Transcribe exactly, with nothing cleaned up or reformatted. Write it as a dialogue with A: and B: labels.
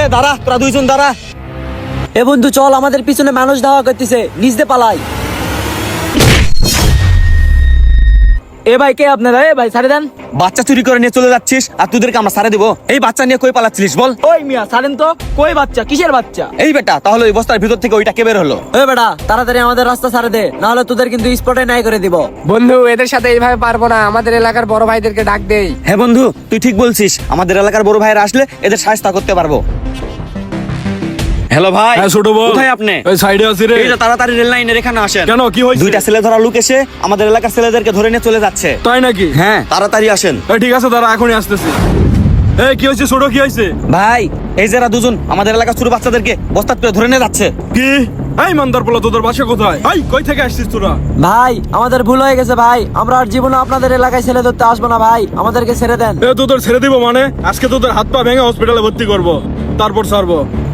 A: দাঁড়া, তোরা দুইজন দাঁড়া।
B: এ বন্ধু চল, আমাদের পিছনে মানুষ ধাওয়া করতেছে, নিচ দিয়ে পালাই। এ ভাই কে আপনারা? এ ভাই ছাড়ে দেন।
A: বাচ্চা চুরি করে নিয়ে চলে যাচ্ছিস আর তোদেরকে আমরা সারে দেবো? এই বাচ্চা নিয়ে কই পালাচ্ছিলিস বল?
B: ওই মিয়া ছাড়েন তো। কই বাচ্চা? কিসের বাচ্চা?
A: এই বেটা, তাহলে ওই বস্তার ভিতর থেকে ওইটা কে বের হলো?
B: এ বেটা তাড়াতাড়ি আমাদের রাস্তা ছাড়ে দে, না হলে তোদের কিন্তু স্পটে নাই করে দিব।
C: বন্ধু এদের সাথে এইভাবে পারবো না, আমাদের এলাকার বড় ভাইদেরকে ডাক দেই।
A: হ্যাঁ বন্ধু, তুই ঠিক বলছিস, আমাদের এলাকার বড় ভাইরা আসলে এদের সাহায্য করতে পারবো। হ্যালো ভাই।
D: হ্যাঁ ছোট বল,
A: কোথায় আপনি?
D: ওই সাইডে আছি রে।
A: এই যে তাড়াতাড়ি রেল লাইনের এখানে আসেন।
D: কেন, কি হয়েছে?
A: দুইটা ছেলে ধরা লোক এসে আমাদের এলাকার ছেলেদেরকে ধরে নিয়ে চলে যাচ্ছে।
D: তাই নাকি?
A: হ্যাঁ, তাড়াতাড়ি আসেন।
D: এই ঠিক আছে, দাঁড়া এখনই আসতেছি। এই কি হয়েছে ছোট, কি হয়েছে?
A: ভাই, এই যারা দুজন আমাদের এলাকার ছোট বাচ্চাদেরকে বস্তা করে ধরে নিয়ে যাচ্ছে।
D: কি? এই মান্দার পোলা, তোদের বাসা কোথায়? এই কই থেকে আসছিস তোরা?
B: ভাই আমাদের ভুল হয়ে গেছে ভাই, আমরা আর জীবনে আপনাদের এলাকায় ছেলে ধরতে আসবো না ভাই, আমাদেরকে ছেড়ে দেন।
D: এ তোদের ছেড়ে দিব মানে? আজকে তোদের হাত পা ভেঙে হসপিটালে ভর্তি করব, তারপর ছাড়বো।